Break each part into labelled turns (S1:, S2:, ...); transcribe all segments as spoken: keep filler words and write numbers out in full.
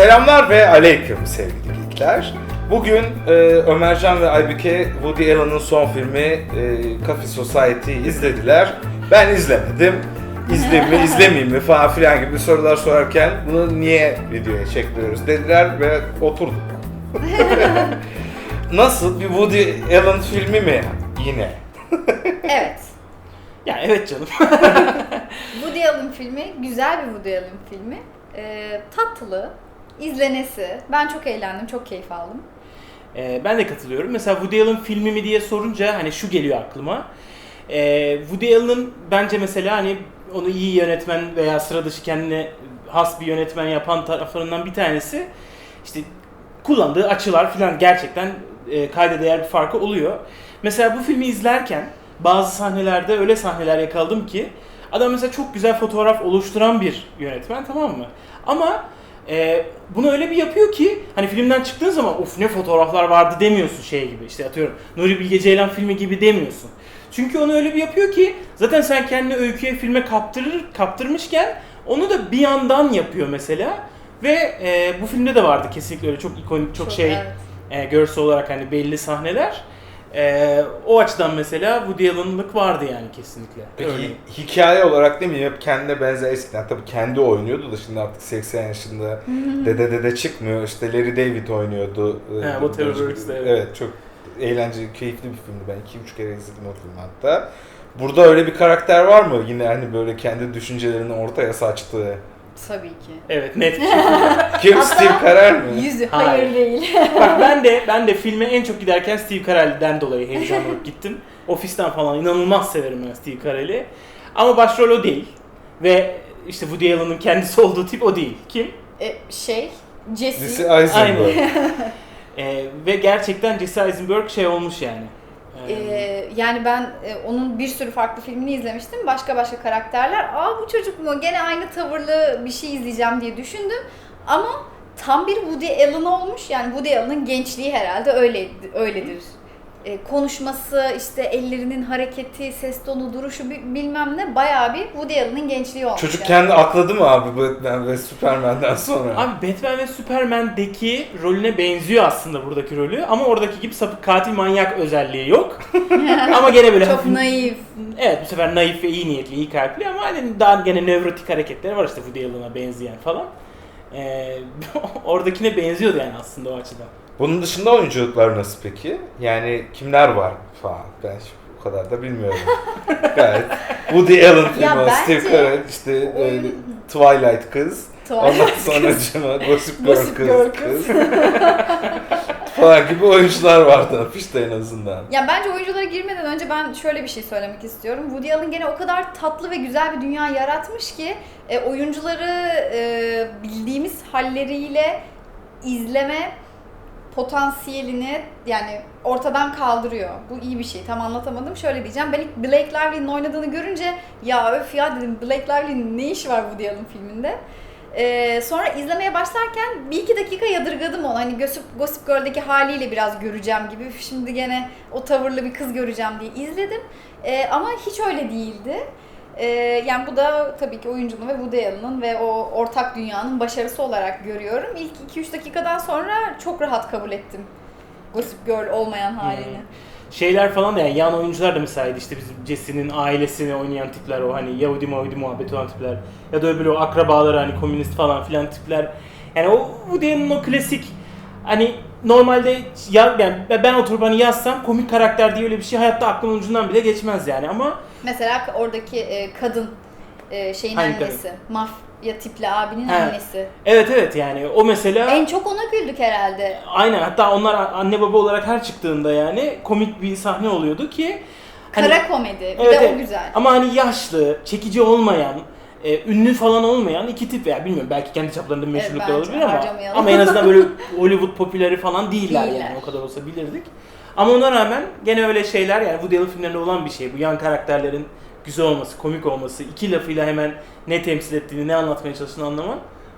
S1: Selamlar ve aleyküm sevgili geekler. Bugün e, Ömercan ve Aybüke Woody Allen'ın son filmi e, Coffee Society'yi izlediler. Ben izlemedim. İzleyeyim mi, izlemeyeyim mi falan filan gibi sorular sorarken bunu niye videoya çekmiyoruz dediler ve oturduk. Nasıl? Bir Woody Allen filmi mi yine?
S2: Evet.
S3: Ya evet canım.
S2: Woody Allen filmi, güzel bir Woody Allen filmi. Ee, tatlı, izlenesi. Ben çok eğlendim, çok keyif aldım.
S3: Ee, ben de katılıyorum. Mesela Woody Allen filmi mi diye sorunca hani şu geliyor aklıma. Ee, Woody Allen'ın bence mesela hani onu iyi yönetmen veya sıra dışı kendine has bir yönetmen yapan taraflarından bir tanesi işte kullandığı açılar falan gerçekten e, kayda değer bir farkı oluyor. Mesela bu filmi izlerken bazı sahnelerde öyle sahneler yakaladım ki adam mesela çok güzel fotoğraf oluşturan bir yönetmen, tamam mı? Ama e, bunu öyle bir yapıyor ki hani filmden çıktığın zaman of ne fotoğraflar vardı demiyorsun şey gibi, işte atıyorum Nuri Bilge Ceylan filmi gibi demiyorsun. Çünkü onu öyle bir yapıyor ki zaten sen kendini öyküye, filme kaptırır, kaptırmışken onu da bir yandan yapıyor mesela. Ve e, bu filmde de vardı kesinlikle öyle çok ikonik, çok, çok şey evet. e, görsel olarak hani belli sahneler. Ee, o açıdan mesela Woody Allen'lık vardı yani kesinlikle.
S1: Peki
S3: Örneğin.
S1: hikaye olarak değil mi? Hep kendine benzer eskiden tabii kendi oynuyordu da şimdi artık seksen yaşında dede dede çıkmıyor. İşte Larry David oynuyordu.
S3: He, Waterworks'da evet.
S1: Evet, çok eğlenceli, keyifli bir filmdi. Ben iki üç kere izledim o filmi hatta. Burada öyle bir karakter var mı? Yine hani böyle kendi düşüncelerini ortaya saçtığı.
S2: Tabii ki.
S3: Evet, net bir şekilde.
S1: Kim, Steve Carell mi?
S2: Yüzü hayır, hayır değil.
S3: Bak ben de ben de filme en çok giderken Steve Carell'den dolayı heyecanlanıp gittim. Ofisten falan inanılmaz severim ben Steve Carell'i. Ama başrol o değil. Ve işte Woody Allen'ın kendisi olduğu tip o değil. Kim?
S2: E, şey, Jesse.
S1: Jesse Eisenberg.
S3: ee, ve gerçekten Jesse Eisenberg şey olmuş yani.
S2: Ee, yani ben e, onun bir sürü farklı filmini izlemiştim. Başka başka karakterler. Aa bu çocuk mu? Gene aynı tavırlı bir şey izleyeceğim diye düşündüm. Ama tam bir Woody Allen olmuş. Yani Woody Allen'ın gençliği herhalde öyle öyledir. Ee, konuşması, işte ellerinin hareketi, ses tonu, duruşu bilmem ne bayağı bir Woody Allen'ın gençliği olmuş.
S1: Çocuk
S2: yani.
S1: kendi akladı mı abi Batman ve Superman'den sonra?
S3: Abi Batman ve Superman'deki rolüne benziyor aslında buradaki rolü ama oradaki gibi sapık katil manyak özelliği yok. Ama gene böyle
S2: çok
S3: hafif,
S2: naif.
S3: Evet, bu sefer naif ve iyi niyetli, iyi kalpli ama hani daha gene nörotik hareketleri var işte Woody Allen'a benzeyen falan. Ee, oradakine benziyordu yani aslında o açıdan.
S1: Bunun dışında oyunculuklar nasıl peki? Yani kimler var falan? Ben o kadar da bilmiyorum. Gayet Woody Allen filmi, Steve Carell, işte
S2: oyun...
S1: e, Twilight kız.
S2: Twilight
S1: Ondan sonra cama Gossip Girl
S2: Gossip
S1: kız,
S2: Girl
S1: kız. falan gibi oyuncular vardı afişte en azından.
S2: Ya bence oyunculara girmeden önce ben şöyle bir şey söylemek istiyorum. Woody Allen gene o kadar tatlı ve güzel bir dünya yaratmış ki e, oyuncuları e, bildiğimiz halleriyle izleme potansiyelini yani ortadan kaldırıyor. Bu iyi bir şey. Tam anlatamadım. Şöyle diyeceğim. Ben ilk Blake Lively'nin oynadığını görünce ya öf ya dedim Blake Lively'nin ne işi var Woody Allen filminde? Ee, sonra izlemeye başlarken bir iki dakika yadırgadım onu. Hani Gossip, Gossip Girl'deki haliyle biraz göreceğim gibi. Şimdi gene o tavırlı bir kız göreceğim diye izledim. Ee, ama hiç öyle değildi. Ee, yani bu da tabii ki oyuncunun ve Woody Allen'ın ve o ortak dünyanın başarısı olarak görüyorum. İlk iki üç dakikadan sonra çok rahat kabul ettim Gossip Girl olmayan halini.
S3: Hmm. Şeyler falan da yani yan oyuncular da mesela işte bizim Jesse'nin ailesini oynayan tipler, o hani Yahudi Mahudi muhabbeti olan tipler ya da öbürü o akrabaları hani komünist falan filan tipler. Yani o Woody Allen'ın o klasik hani normalde ya, yani ben oturup hani yazsam komik karakter diye öyle bir şey hayatta aklımın ucundan bile geçmez yani ama
S2: mesela oradaki e, kadın e, şeyin
S3: Hangi
S2: annesi, mafya tipli abinin
S3: He.
S2: annesi.
S3: Evet evet yani o mesela
S2: En çok ona güldük herhalde.
S3: Aynen, hatta onlar anne baba olarak her çıktığında yani komik bir sahne oluyordu ki
S2: Kara
S3: hani,
S2: komedi. Bir
S3: evet,
S2: de
S3: evet.
S2: o güzel.
S3: Ama hani yaşlı, çekici olmayan, e, ünlü falan olmayan iki tip veya bilmiyorum belki kendi çaplarında bir meşhurluklar
S2: Evet,
S3: olabilir ama
S2: harcamayalım.
S3: ama en azından böyle Hollywood popüleri falan değiller,
S2: Değiller.
S3: yani o kadar olsa bilirdik. Ama ona rağmen gene öyle şeyler yani Woody Allen filmlerinde olan bir şey bu yan karakterlerin güzel olması, komik olması, iki lafıyla hemen ne temsil ettiğini, ne anlatmaya çalıştığını anlaman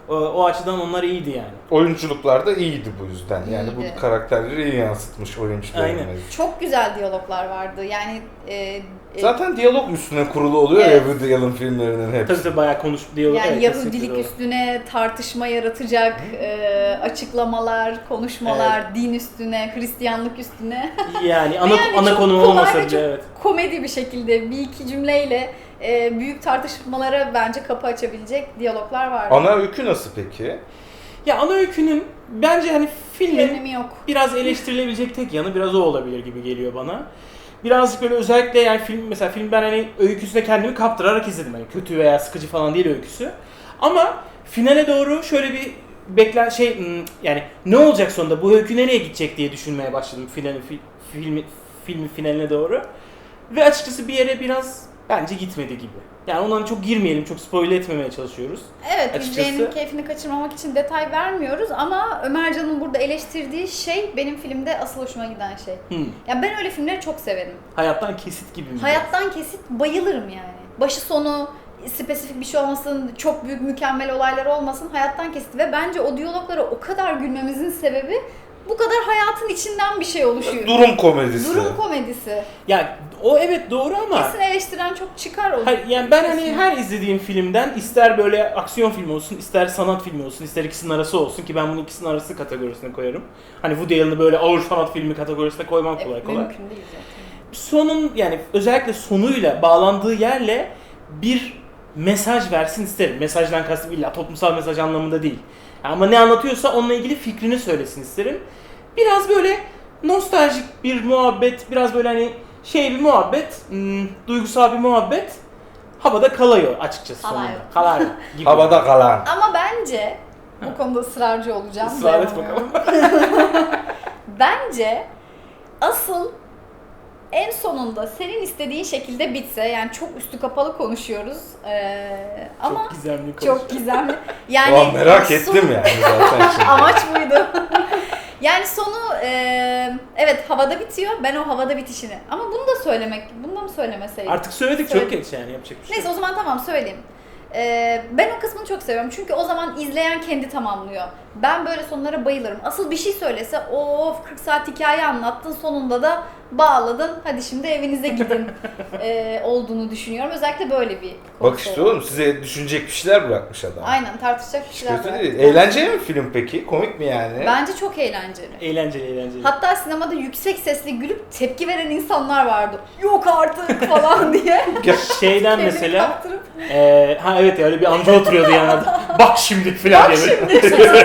S3: O, o açıdan onlar iyiydi yani.
S1: Oyunculuklar da iyiydi bu yüzden. Yani
S2: İyiydi.
S1: bu karakterleri iyi yansıtmış oyuncularımız.
S3: Aynen.
S2: Çok güzel diyaloglar vardı. Yani e, e,
S1: Zaten diyalog üstüne kurulu oluyor
S2: Evet.
S1: ya Woody Allen filmlerinin hepsi.
S3: Tabii tabii bayağı konuş diyalog.
S2: yani
S3: evet,
S2: Yahudilik
S3: kesinlikle doğru.
S2: üstüne tartışma yaratacak e, açıklamalar, konuşmalar, din üstüne, Hristiyanlık üstüne.
S3: Yani ana,
S2: Ve yani
S3: ana
S2: çok
S3: konu
S2: kolay
S3: olmasa
S2: ve
S3: bile
S2: çok
S3: evet.
S2: komedi bir şekilde bir iki cümleyle e, büyük tartışmalara bence kapı açabilecek diyaloglar vardı.
S1: Ana öykü nasıl peki?
S3: Ya ana öykünün bence hani
S2: Bir
S3: filmin
S2: önemi yok.
S3: biraz eleştirilebilecek tek yanı biraz o olabilir gibi geliyor bana. Birazcık böyle özellikle yani film mesela film ben hani öyküsüne kendimi kaptırarak izledim. Hani kötü veya sıkıcı falan değil öyküsü. Ama finale doğru şöyle bir beklen şey hmm, yani ne olacak sonunda bu öykü nereye gidecek diye düşünmeye başladım finali fi, filmi filmin finaline doğru. Ve açıkçası bir yere biraz bence gitmedi gibi. Yani ondan çok girmeyelim, çok spoil etmemeye çalışıyoruz.
S2: Evet,
S3: Açıkçası-
S2: izleyenin keyfini kaçırmamak için detay vermiyoruz ama Ömercan'ın burada eleştirdiği şey benim filmde asıl hoşuma giden şey.
S3: Hmm.
S2: Ya ben öyle filmleri çok severim.
S3: Hayattan kesit gibi mi?
S2: Hayattan kesit bayılırım yani. Başı sonu spesifik bir şey olmasın, çok büyük mükemmel olaylar olmasın, hayattan kesit ve bence o diyaloglara o kadar gülmemizin sebebi bu kadar hayatın içinden bir şey oluşuyor.
S1: Durum komedisi.
S2: Durum komedisi.
S3: Ya o evet doğru ama
S2: Kesin eleştiren çok çıkar olur.
S3: hayır, yani ben hani
S2: Kesin.
S3: her izlediğim filmden ister böyle aksiyon filmi olsun, ister sanat filmi olsun, ister ikisinin arası olsun ki ben bunu ikisinin arası kategorisine koyarım. Hani Woody Allen'ı böyle ağır sanat filmi kategorisine koymam
S2: E,
S3: kolay kolay.
S2: Mümkün değil zaten.
S3: Sonun yani özellikle sonuyla bağlandığı yerle bir mesaj versin isterim. Mesajdan kastım illa toplumsal mesaj anlamında değil. Ama ne anlatıyorsa onunla ilgili fikrini söylesin isterim. Biraz böyle nostaljik bir muhabbet, biraz böyle hani şey bir muhabbet, hmm, duygusal bir muhabbet havada kalıyor açıkçası
S2: Kalıyor.
S3: sonunda. Kalıyor gibi.
S1: Havada kalan.
S2: Ama bence bu konuda ısrarcı olacağım.
S3: Israr et
S2: dayanamıyorum.
S3: bakalım.
S2: Bence asıl en sonunda senin istediğin şekilde bitse, yani çok üstü kapalı konuşuyoruz ee, ama
S3: Çok gizemli
S2: çok
S3: konuşuyor.
S2: gizemli. Yani
S1: Ulan merak
S2: son-
S1: ettim yani zaten şimdi.
S2: Amaç buydu. Yani sonu e, evet havada bitiyor. Ben o havada bitişini. Ama bunu da söylemek, bunu da mı söylemeseydim?
S3: Artık söyledik
S2: Söyle-
S3: çok geç yani yapacak bir şey.
S2: Neyse o
S3: yok.
S2: zaman tamam söyleyeyim. Ee, ben o kısmını çok seviyorum çünkü o zaman izleyen kendi tamamlıyor. Ben böyle sonlara bayılırım. Asıl bir şey söylese of kırk saat hikaye anlattın sonunda da bağladın hadi şimdi evinize gidin ee, olduğunu düşünüyorum. Özellikle böyle bir
S1: Bak
S2: konusu
S1: işte
S2: olan.
S1: oğlum size düşünecek bir şeyler bırakmış adam.
S2: Aynen tartışacak bir
S1: Hiç
S2: şeyler
S1: kötü
S2: var.
S1: değil. Eğlenceli mi film peki? Komik mi yani?
S2: Bence çok eğlenceli.
S3: Eğlenceli eğlenceli.
S2: Hatta sinemada yüksek sesli gülüp tepki veren insanlar vardı. Yok artık falan diye.
S3: Şeyden
S2: Kendini
S3: mesela
S2: kaptırıp.
S3: Ee, ha evet ya öyle bir amca oturuyordu yanında. Bak şimdi filan
S2: Bak
S3: diye. böyle.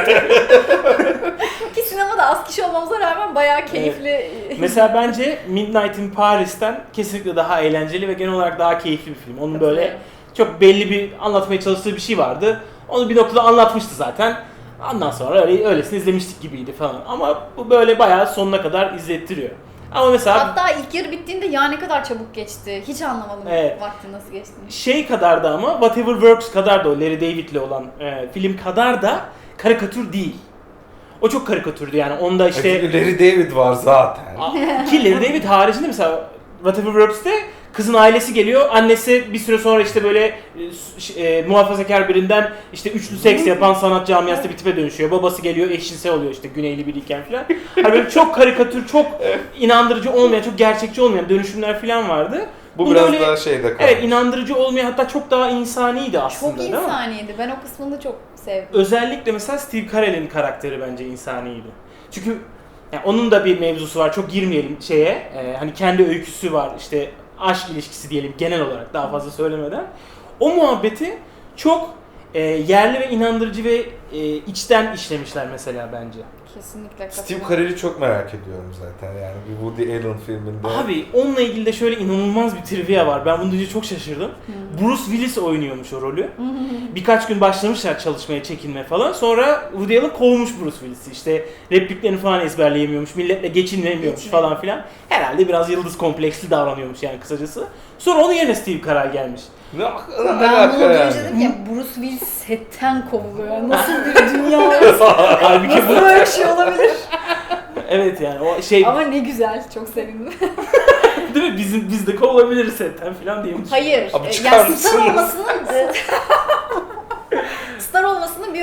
S2: Ki sinemada az kişi olmamıza rağmen bayağı keyifli.
S3: Mesela bence Midnight in Paris'ten kesinlikle daha eğlenceli ve genel olarak daha keyifli bir film. Onun böyle çok belli bir anlatmaya çalıştığı bir şey vardı. Onu bir noktada anlatmıştı zaten. Ondan sonra öyle öylesine izlemiştik gibiydi falan. Ama bu böyle bayağı sonuna kadar izlettiriyor. Ama mesela
S2: Hatta ilk yarı bittiğinde ya ne kadar çabuk geçti. Hiç anlamadım
S3: Evet.
S2: vaktin nasıl geçtiğini.
S3: şey kadar da ama Whatever Works kadar da o Larry David'le olan e, film kadar da karikatür değil. O çok karikatürdü yani onda işte
S1: E, Larry David var zaten.
S3: A- Ki Larry David haricinde mesela Whatever Works'te kızın ailesi geliyor. Annesi bir süre sonra işte böyle e, ş- e, muhafazakar birinden işte üçlü seks yapan sanat camiası bir tipe dönüşüyor. Babası geliyor eşcinsel oluyor işte güneyli biriyken falan. Hani böyle çok karikatür, çok inandırıcı olmayan, çok gerçekçi olmayan dönüşümler falan vardı.
S1: Bu
S3: Bunda
S1: biraz
S3: öyle-
S1: daha şeyde kalmış.
S3: Evet inandırıcı olmayan hatta çok daha insaniydi aslında
S2: Çok
S3: değil mi?
S2: insaniydi. Ben o kısmını çok sevdim.
S3: Özellikle mesela Steve Carell'in karakteri bence insaniydi. Çünkü yani onun da bir mevzusu var. Çok girmeyelim şeye. Ee, hani kendi öyküsü var. İşte aşk ilişkisi diyelim genel olarak daha fazla söylemeden. O muhabbeti çok e, yerli ve inandırıcı ve e, içten işlemişler mesela bence.
S2: Kesinlikle
S1: Steve
S2: katılıyorum.
S1: Carell'i çok merak ediyorum zaten yani bir Woody Allen filminde.
S3: Abi onunla ilgili de şöyle inanılmaz bir trivia var. Ben bunu duyunca çok şaşırdım. Bruce Willis oynuyormuş o rolü. Birkaç gün başlamışlar çalışmaya, çekinme falan. Sonra Woody Allen kovmuş Bruce Willis'i. İşte repliklerini falan ezberleyemiyormuş, milletle geçinemiyormuş
S2: Geçinemiyor.
S3: falan filan. Herhalde biraz yıldız kompleksli davranıyormuş yani kısacası. Sonra onun yerine Steve Carell gelmiş.
S1: Ne, ne
S2: Ben
S1: alaka
S2: bunu
S1: yani?
S2: duyunca dedim ki Bruce Willis setten kovuluyor. Nasıl bir dünya?
S3: Halbuki
S2: Nasıl
S3: bu...
S2: böyle bir şey olabilir?
S3: Evet yani o şey
S2: Ama ne güzel. Çok sevindim.
S3: değil mi? Bizim, biz de kovulabiliriz setten filan diyemiş.
S2: Hayır.
S1: Abi
S2: e,
S1: çıkar
S2: yani
S1: mısın?
S2: star olmasının e, star olmasının bir önemi yok.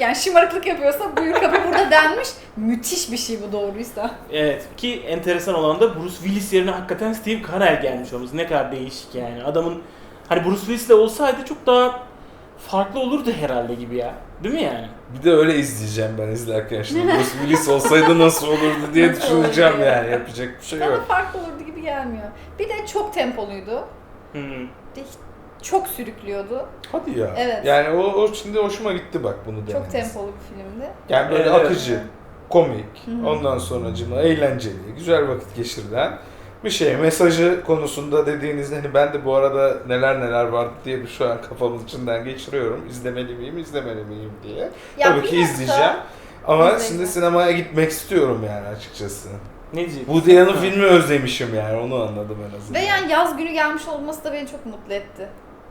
S2: yani şımarıklık yapıyorsa buyur kapı burada denmiş. Müthiş bir şey bu doğruysa.
S3: Evet ki enteresan olan da Bruce Willis yerine hakikaten Steve Carell gelmiş olması. Ne kadar değişik yani. Adamın hani Bruce Willis de olsaydı çok daha farklı olurdu herhalde gibi ya. Değil mi yani?
S1: Bir de öyle izleyeceğim ben izlerken şimdi. Bruce Willis olsaydı nasıl olurdu diye
S2: Nasıl
S1: düşüneceğim
S2: olurdu?
S1: yani. Yapacak bir şey
S2: Bana
S1: yok.
S2: farklı olurdu gibi gelmiyor. Bir de çok tempoluydu.
S3: Hı hı.
S2: Çok sürüklüyordu.
S1: Hadi ya.
S2: Evet.
S1: Yani o, o şimdi hoşuma gitti bak bunu demeniz.
S2: Çok tempolu bir filmdi.
S1: Yani böyle
S3: Evet, evet.
S1: akıcı, komik,
S2: Hı hı.
S1: ondan sonracıma eğlenceli, güzel vakit geçirilen bir şey. Mesajı konusunda dediğinizde hani ben de bu arada neler neler vardı diye bir şu an kafamın içinden geçiriyorum. İzlemeli miyim, izlemeli miyim diye.
S2: Ya
S1: Tabii ki
S2: biraz da-
S1: izleyeceğim. Ama
S2: İzleyeceğim.
S1: şimdi sinemaya gitmek istiyorum yani açıkçası.
S3: Ne diyeceksin?
S1: Woody Allen
S3: Ha.
S1: filmi özlemişim yani onu anladım en azından.
S2: Ve yani yaz günü gelmiş olması da beni çok mutlu etti.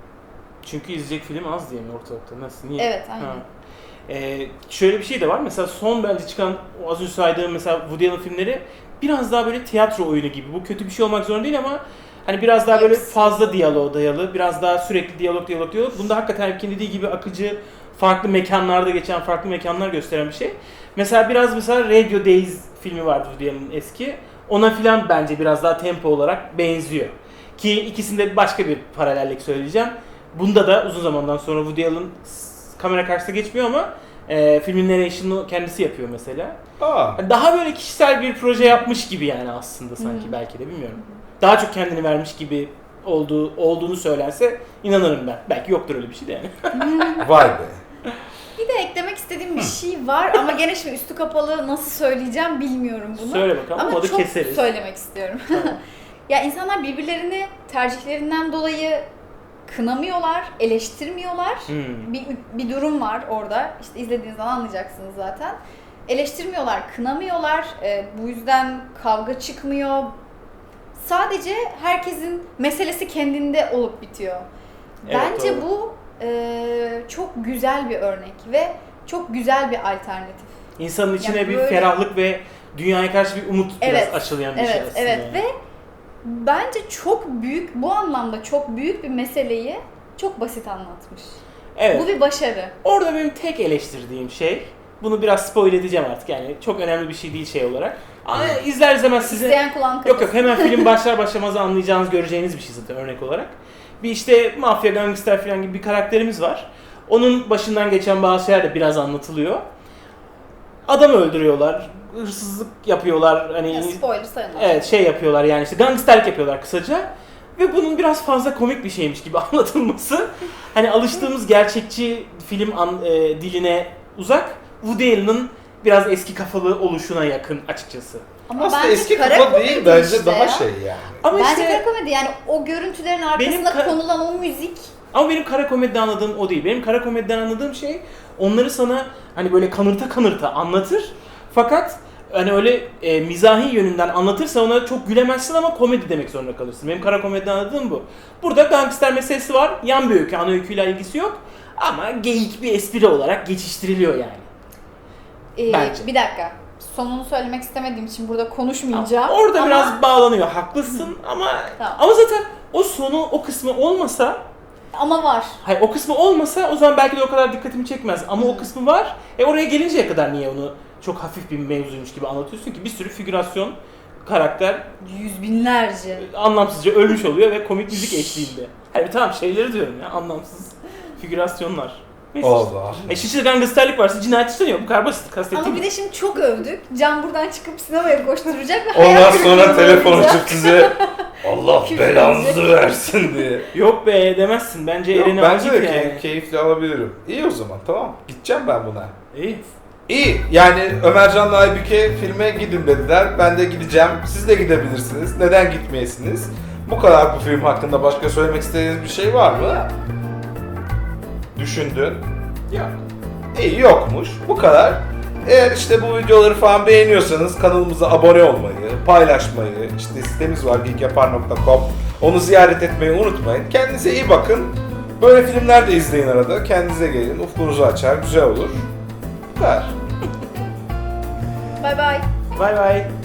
S3: Çünkü izleyecek film az diye mi ortalıkta? Nasıl? Niye?
S2: Evet, aynen.
S3: Ha. Ee, şöyle bir şey de var. Mesela son bence çıkan o az önce saydığım mesela Woody Allen filmleri biraz daha böyle tiyatro oyunu gibi. Bu kötü bir şey olmak zorunda değil ama hani biraz daha böyle
S2: Hepsi.
S3: fazla diyaloğa dayalı, biraz daha sürekli diyalog diyalog diyalog. Bunda hakikaten Erkin dediği gibi akıcı, farklı mekanlarda geçen farklı mekanlar gösteren bir şey. Mesela biraz mesela Radio Days filmi vardı Woody Allen'ın eski. Ona filan bence biraz daha tempo olarak benziyor. Ki ikisinde başka bir paralellik söyleyeceğim. Bunda da uzun zamandan sonra Woody Allen s- kamera karşısına geçmiyor ama e, filmin narration'ını kendisi yapıyor mesela.
S1: Aa,
S3: Hani daha böyle kişisel bir proje yapmış gibi yani aslında sanki
S2: Hı.
S3: belki de bilmiyorum. Daha çok kendini vermiş gibi olduğu olduğunu söylense inanırım ben. Belki yoktur öyle bir şey de yani.
S1: vay be.
S2: Bir de eklemek istediğim bir şey var ama gene şimdi üstü kapalı nasıl söyleyeceğim bilmiyorum bunu.
S3: Söyle bakalım
S2: Ama
S3: ama da
S2: çok
S3: keseriz.
S2: söylemek istiyorum.
S3: Tamam.
S2: Ya insanlar birbirlerini tercihlerinden dolayı kınamıyorlar, eleştirmiyorlar.
S3: Hmm.
S2: Bir, bir durum var orada. İşte izlediğiniz zaman anlayacaksınız zaten. Eleştirmiyorlar, kınamıyorlar. Ee, bu yüzden kavga çıkmıyor. Sadece herkesin meselesi kendinde olup bitiyor.
S3: Evet,
S2: Bence
S3: doğru.
S2: bu e, çok güzel bir örnek ve çok güzel bir alternatif.
S3: İnsanın içine
S2: Yani
S3: bir
S2: böyle-
S3: ferahlık ve dünyaya karşı bir umut
S2: Evet,
S3: biraz aşılayan bir şey
S2: Evet,
S3: aslında.
S2: evet
S3: yani.
S2: ve bence çok büyük, bu anlamda çok büyük bir meseleyi çok basit anlatmış.
S3: Evet.
S2: Bu bir başarı.
S3: Orada benim tek eleştirdiğim şey, bunu biraz spoil edeceğim artık yani çok önemli bir şey değil şey olarak. Ama izler izlemez size...
S2: İsteyen kulağın
S3: Yok yok
S2: kapasın.
S3: hemen film başlar başlamaz anlayacağınız, göreceğiniz bir şey zaten örnek olarak. Bir işte mafya, gangster falan gibi bir karakterimiz var. Onun başından geçen bazı şeyler de biraz anlatılıyor. Adamı öldürüyorlar, hırsızlık yapıyorlar, hani
S2: Ya, spoiler sayılmaz.
S3: evet şey yapıyorlar yani işte gangsterlik yapıyorlar kısaca. Ve bunun biraz fazla komik bir şeymiş gibi anlatılması. Hani alıştığımız gerçekçi film an, e, diline uzak. Woody Allen'ın biraz eski kafalı oluşuna yakın açıkçası.
S2: Ama
S1: Aslında
S2: bence
S1: eski
S2: kara
S1: kafa değil
S2: komedi
S1: bence
S2: işte
S1: daha
S2: ya.
S1: şey yani.
S3: Ama
S2: Bence
S3: işte
S2: kara komedi yani o görüntülerin arkasında
S3: ka-
S2: konulan o müzik.
S3: ama benim kara komediden anladığım o değil. Benim kara komediden anladığım şey onları sana hani böyle kanırta kanırta anlatır. Fakat hani öyle e, mizahi yönünden anlatırsa ona çok gülemezsin ama komedi demek zorunda kalırsın. Benim kara komediden anladığım bu. Burada gangster meselesi var. Yan bir öykü, ana öyküyle ilgisi yok. Ama geyik bir espri olarak geçiştiriliyor yani.
S2: Ee,
S3: Bence.
S2: bir dakika. Sonunu söylemek istemediğim için burada konuşmayacağım.
S3: Orada
S2: ama
S3: biraz bağlanıyor. Haklısın ama
S2: Tamam.
S3: ama zaten o sonu, o kısmı olmasa,
S2: ama var.
S3: hayır o kısmı olmasa o zaman belki de o kadar dikkatimi çekmez. Ama o kısmı var. E oraya gelinceye kadar niye onu çok hafif bir mevzuymuş gibi anlatıyorsun ki bir sürü figürasyon karakter
S2: Yüz binlerce.
S3: anlamsızca ölmüş oluyor ve komik müzik eşliğinde. Hayır tamam şeyleri diyorum ya anlamsız figürasyonlar. Neyse işte.
S1: Allah.
S3: E şişede gangsterlik varsa cinayet işleniyor. Bu kadar basit kastettiğim.
S2: Ama bir de şimdi çok övdük. Can buradan çıkıp sinemaya koşturacak ve
S1: Ondan
S2: hayal
S1: sonra
S2: kırıklığına
S1: telefon
S2: uğrayacak.
S1: açıp size Allah
S2: Küfür
S1: belanızı
S2: edecek.
S1: versin diye.
S3: Yok be demezsin. Bence
S1: Yok,
S3: elini al
S1: bence
S3: git
S1: de
S3: yani.
S1: key- keyifli alabilirim. İyi o zaman tamam. Gideceğim ben buna.
S3: İyi.
S1: İyi. Yani Ömercan'la Aybüke filme gidin dediler. Ben de gideceğim. Siz de gidebilirsiniz. Neden gitmeyesiniz? Bu kadar bu film hakkında başka söylemek istediğiniz bir şey var mı? Düşündün.
S3: Yok.
S1: İyi yokmuş. Bu kadar. Eğer işte bu videoları falan beğeniyorsanız kanalımıza abone olmayı, paylaşmayı, işte sitemiz var geekyapar nokta com. Onu ziyaret etmeyi unutmayın. Kendinize iyi bakın. Böyle filmler de izleyin arada. Kendinize gelin. Ufkunuzu açar. Güzel olur. Bu kadar.
S2: Bye bye.
S3: Bay bay.